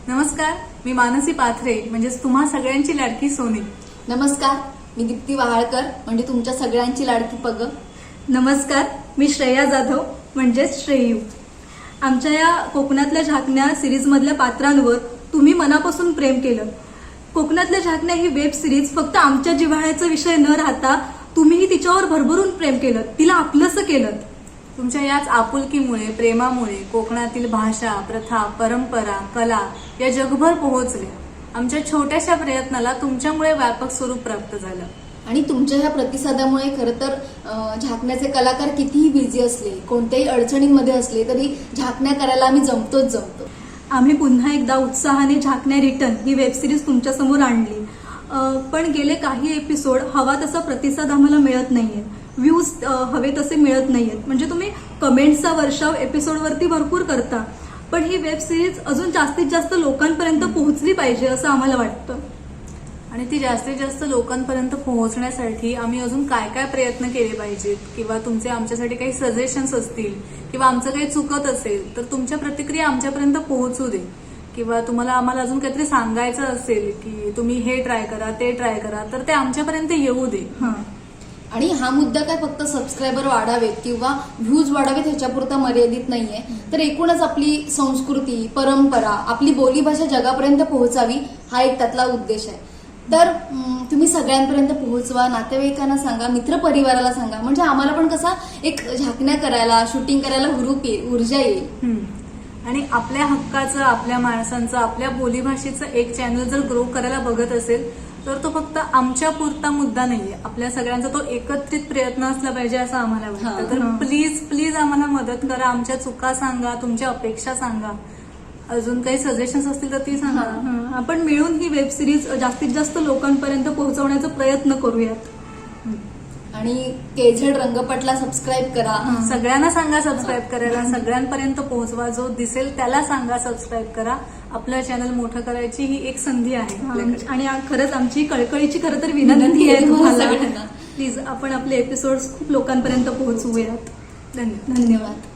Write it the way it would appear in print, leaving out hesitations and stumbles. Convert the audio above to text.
नमस्कार, मी मानसी पाथरे म्हणजेच तुम्हा सगळ्यांची लाडकी सोनी. नमस्कार, मी दीप्ती वहाळकर म्हणजे तुमच्या सगळ्यांची लाडकी पग. नमस्कार, मी श्रेया जाधव म्हणजेच श्रेयू. आमच्या या कोकणातल्या झाकण्या सिरीजमधल्या पात्रांवर तुम्ही मनापासून प्रेम केलं. कोकणातल्या झाकण्या ही वेब सिरीज फक्त आमच्या जिव्हाळ्याचा विषय न राहता तुम्हीही तिच्यावर भरभरून प्रेम केलं, तिला आपलंसं केलं. तुमच्या याच आपुलकीमुळे, प्रेमामुळे कोकणातील भाषा, प्रथा, परंपरा, कला या जगभर पोहोचल्या. आमच्या छोट्याशा प्रयत्नाला तुमच्यामुळे व्यापक स्वरूप प्राप्त झालं. आणि तुमच्या ह्या प्रतिसादामुळे खरं तर झाकण्याचे कलाकार कितीही बिझी असले, कोणत्याही अडचणींमध्ये असले तरी झाकण्या करायला आम्ही जमतो. आम्ही पुन्हा एकदा उत्साहाने झाकण्या रिटर्न ही वेब सिरीज तुमच्यासमोर आणली. पण गेले काही एपिसोड हवा तसा प्रतिसाद आम्हाला मिळत नाहीये, व्ह्यूज हवे तसे मिळत नाहीयेत. म्हणजे तुम्ही कमेंट्सचा वर्षाव एपिसोडवरती भरपूर करता, पण ही वेब सिरीज अजून जास्तीत जास्त लोकांपर्यंत पोहोचली पाहिजे असं आम्हाला वाटतं. आणि ती जास्तीत जास्त लोकांपर्यंत पोहोचण्यासाठी आम्ही अजून काय काय प्रयत्न केले पाहिजेत, किंवा तुमचे आमच्यासाठी काही सजेशन्स असतील किंवा आमचं काही चुकत असेल तर तुमच्या प्रतिक्रिया आमच्यापर्यंत पोहोचू दे. किंवा तुम्हाला आम्हाला अजून काहीतरी सांगायचं असेल की तुम्ही हे ट्राय करा, ते ट्राय करा, तर ते आमच्यापर्यंत येऊ दे. आणि हा मुद्दा काय फक्त सबस्क्रायबर वाढावेत किंवा व्ह्यूज वाढावेत ह्याच्यापुरता मर्यादित नाहीये, तर एकूणच आपली संस्कृती, परंपरा, आपली बोलीभाषा जगापर्यंत पोहोचावी हा एक त्यातला उद्देश आहे. तर तुम्ही सगळ्यांपर्यंत पोहोचवा, नातेवाईकांना सांगा, मित्रपरिवाराला सांगा, म्हणजे आम्हाला पण कसा एक झाकण्या करायला, शूटिंग करायला हुरूप येईल, ऊर्जा येईल. आणि आपल्या हक्काचं, आपल्या माणसांचं, आपल्या बोलीभाषेचं एक चॅनल जर ग्रो करायला बघत असेल तर तो फक्त आमच्या पुरता मुद्दा नाहीये, आपल्या सगळ्यांचा तो एकत्रित प्रयत्न असला पाहिजे असं आम्हाला वाटतं. तर प्लीज प्लीज आम्हाला मदत करा, आमच्या चुका सांगा, तुमच्या अपेक्षा सांगा, अजून काही सजेशन्स असतील तर ती सांगा. आपण मिळून ही वेब सिरीज जास्तीत जास्त लोकांपर्यंत पोहोचवण्याचा प्रयत्न करूयात. आणि केझेड रंगपटला सबस्क्राईब करा. सगळ्यांना सांगा सबस्क्राईब करायला, सगळ्यांपर्यंत पोहोचवा. जो दिसेल त्याला सांगा सबस्क्राईब करा. आपलं चॅनल मोठं करायची ही एक संधी आहे. आणि खरंच आमची कळकळीची खरं तर विनंती आहे तुम्हाला, प्लीज आपण आपले एपिसोड्स खूप लोकांपर्यंत पोहोचवूयात. धन्यवाद. धन्यवाद.